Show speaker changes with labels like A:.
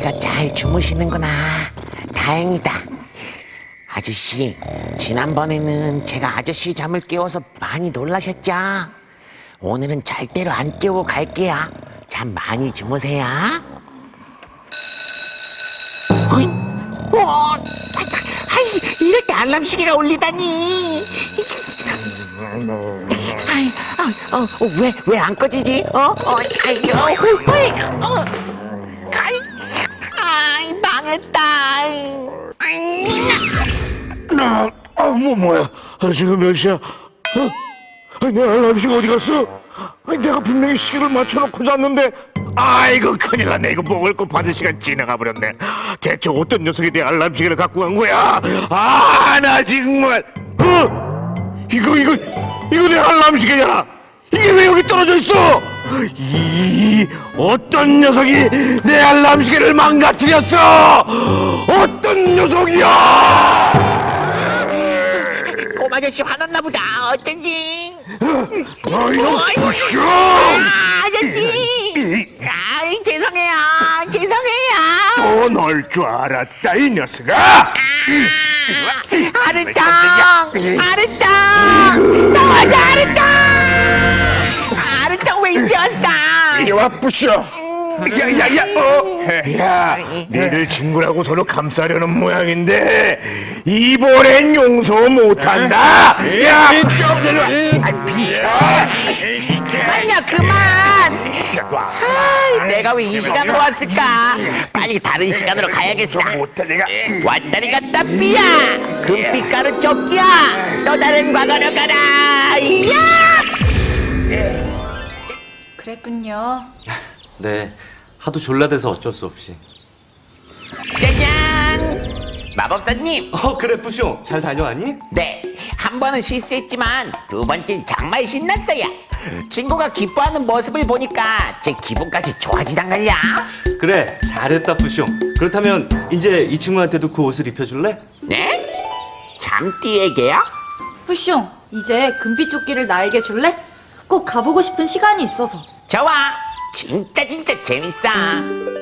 A: 아저씨가 잘 주무시는구나. 다행이다. 아저씨, 지난번에는 제가 아저씨 잠을 깨워서 많이 놀라셨죠? 오늘은 절대로 안 깨우고 갈게요. 잠 많이 주무세요. 어이, 이럴 때 알람 시계가 울리다니. 왜 안 꺼지지? 망했다.
B: 뭐야? 지금 몇 시야? 내 알람시가 어디 갔어? 내가 분명히 시계를 맞춰놓고 잤는데. 아이고 큰일 났네. 이거 먹을 거 받을 시간 지나가 버렸네. 대체 어떤 녀석이 내 알람시계를 갖고 간 거야? 나 정말. 이거 내 알람시계잖아. 이게 왜 여기 떨어져 있어? 어떤 녀석이 내 알람시계를 망가뜨렸어? 어떤 녀석이야?
A: 꼬마 아저씨 화났나 보다. 어쩐지.
B: 이거 부셔!
A: 아저씨. 죄송해요.
B: 또 널 줄 알았다 이 녀석아!
A: 아르탕. 도와줘 아르탕. 아르탕 왜 이제 왔어?
B: 이리 와 부셔! 야, 니들 친구라고 서로 감싸려는 모양인데 이번엔 용서 못한다. 야,
A: 그만. 내가 왜 이 시간으로 왔을까? 빨리 다른 시간으로 가야겠어. 왔다리 갔다 삐야. 금빛가루 조끼야. 또 다른 과거로 가라.
C: 그랬군요.
D: 네, 하도 졸라대서 어쩔 수 없이.
A: 짜잔. 마법사님.
D: 그래 뿌숑, 잘 다녀왔니?
A: 네, 한 번은 실수했지만 두 번째는 정말 신났어요. 친구가 기뻐하는 모습을 보니까 제 기분까지 좋아지단걸요.
D: 그래, 잘했다 뿌숑. 그렇다면 이제 이 친구한테도 그 옷을 입혀줄래?
A: 네? 잠띠에게요?
C: 푸숑, 이제 금빛 조끼를 나에게 줄래? 꼭 가보고 싶은 시간이 있어서.
A: 좋아. 진짜 재밌어.